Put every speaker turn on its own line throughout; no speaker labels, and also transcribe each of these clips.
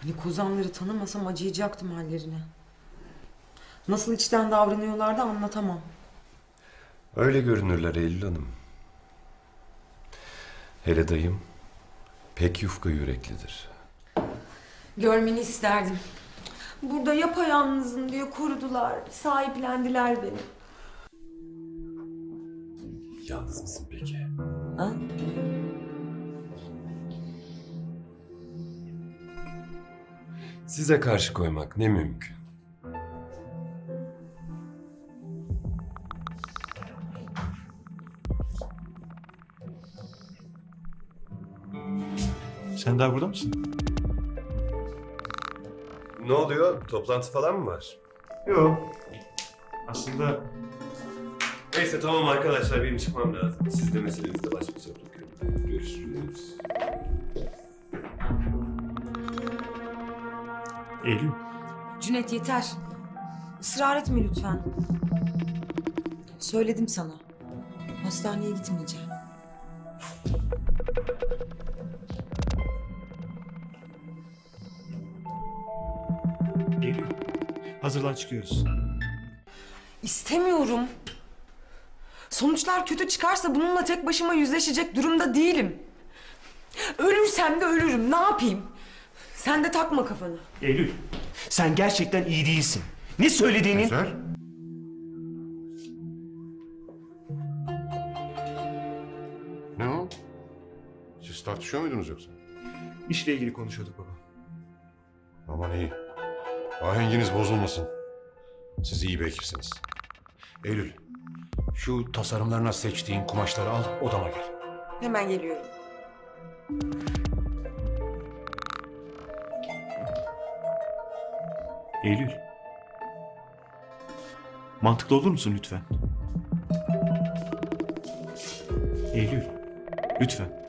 Hani kozanları tanımasam acıyacaktım hallerine. Nasıl içten davranıyorlar da anlatamam.
Öyle görünürler Eylül Hanım. Hele dayım pek yufka yüreklidir.
Görmeni isterdim. Burada yapayalnızım diye korudular, sahiplendiler beni.
Yalnız mısın peki?
Ha?
Size karşı koymak ne mümkün.
Sen daha burada mısın?
Ne oluyor? Toplantı falan mı var?
Yok. Aslında
Neyse tamam arkadaşlar benim çıkmam lazım. Siz de meselenizle baş başa bırakıyorum. Görüşürüz.
Eylül.
Cüneyt yeter. Israr etme lütfen. Söyledim sana. Hastaneye gitmeyeceğim.
Eylül. Hazırlan çıkıyoruz.
İstemiyorum. Sonuçlar kötü çıkarsa bununla tek başıma yüzleşecek durumda değilim. Ölürsem de ölürüm. Ne yapayım? Sen de takma kafanı.
Eylül. Sen gerçekten iyi değilsin. Ne söylediğinin...
Ezer? Ne o? Siz tartışıyor muydunuz yoksa?
İşle ilgili konuşuyorduk baba.
Aman iyi. Ahenginiz bozulmasın. Siz iyi bekirsiniz. Eylül, şu tasarımlarına seçtiğin kumaşları al, odama gel.
Hemen geliyorum.
Eylül. Mantıklı olur musun lütfen? Eylül. Lütfen.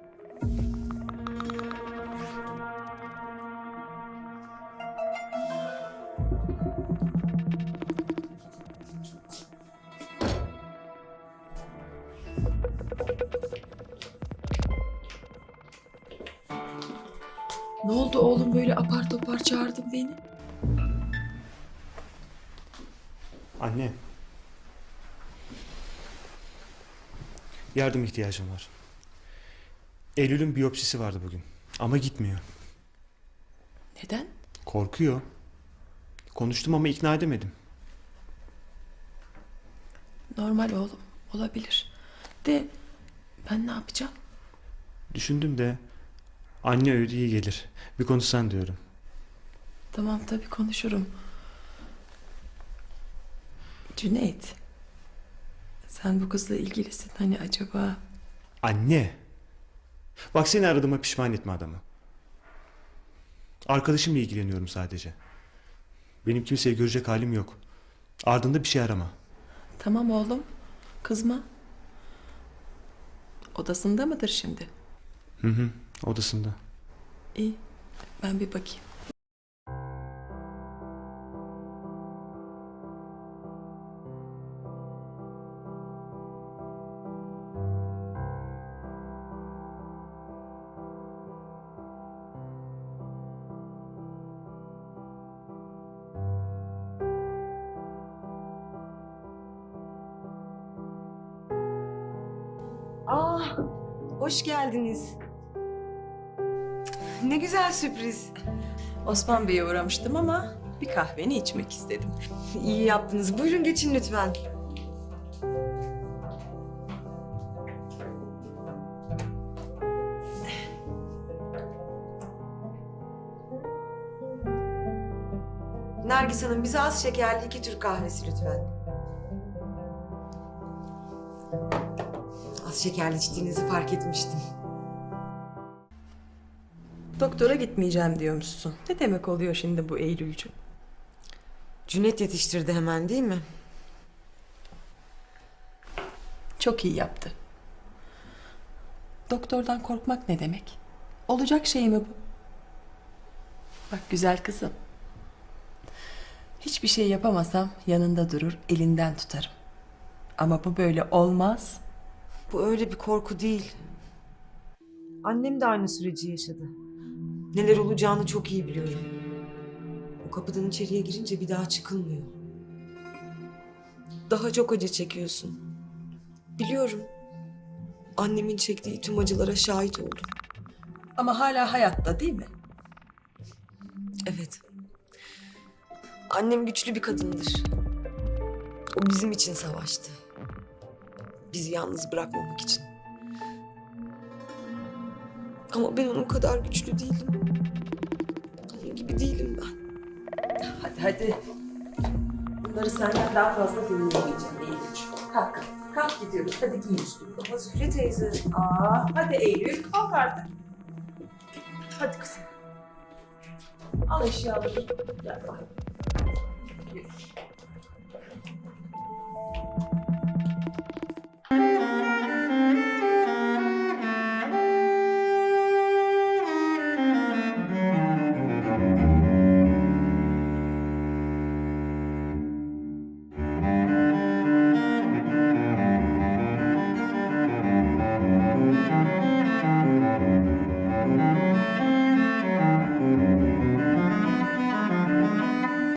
Ne oldu oğlum böyle apar topar çağırdın beni?
Anne. Yardım ihtiyacım var. Eylül'ün biyopsisi vardı bugün. Ama gitmiyor.
Neden?
Korkuyor. Konuştum ama ikna edemedim.
Normal oğlum, olabilir. De ben ne yapacağım?
Düşündüm de anne öyle iyi gelir. Bir konuşsan diyorum.
Tamam tabii konuşurum. Cüneyt. Sen bu kızla ilgilisin hani acaba...
Anne. Bak seni aradığıma pişman etme adamı. Arkadaşımla ilgileniyorum sadece. Benim kimseyi görecek halim yok. Ardında bir şey arama.
Tamam oğlum, kızma. Odasında mıdır şimdi?
Hı hı, odasında.
İyi, ben bir bakayım.
Hoş geldiniz. Ne güzel sürpriz.
Osman Bey'e uğramıştım ama bir kahveni içmek istedim.
İyi yaptınız. Buyurun geçin lütfen. Nergis Hanım bize az şekerli 2 Türk kahvesi lütfen. Az şekerli içtiğinizi fark etmiştim.
Doktora gitmeyeceğim diyormuşsun. Ne demek oluyor şimdi bu Eylülcüğüm?
Cüneyt yetiştirdi hemen değil mi?
Çok iyi yaptı. Doktordan korkmak ne demek? Olacak şey mi bu? Bak güzel kızım. Hiçbir şey yapamasam yanında durur, elinden tutarım. Ama bu böyle olmaz.
Bu öyle bir korku değil. Annem de aynı süreci yaşadı. Neler olacağını çok iyi biliyorum. O kapıdan içeriye girince bir daha çıkılmıyor. Daha çok acı çekiyorsun. Biliyorum. Annemin çektiği tüm acılara şahit oldum.
Ama hala hayatta değil mi?
Evet. Annem güçlü bir kadındır. O bizim için savaştı. Bizi yalnız bırakmamak için. Ama ben onun kadar güçlü değilim. Onun gibi değilim ben.
Hadi hadi. Bunları senden daha fazla dinleyemeyeceğim Eylül. Kalk. Kalk gidiyoruz. Hadi giyin üstünü.
Ama Zühre teyze.
Hadi Eylül kalk artık. Hadi kızım. Al eşyaları. Gel bakalım. Yürü.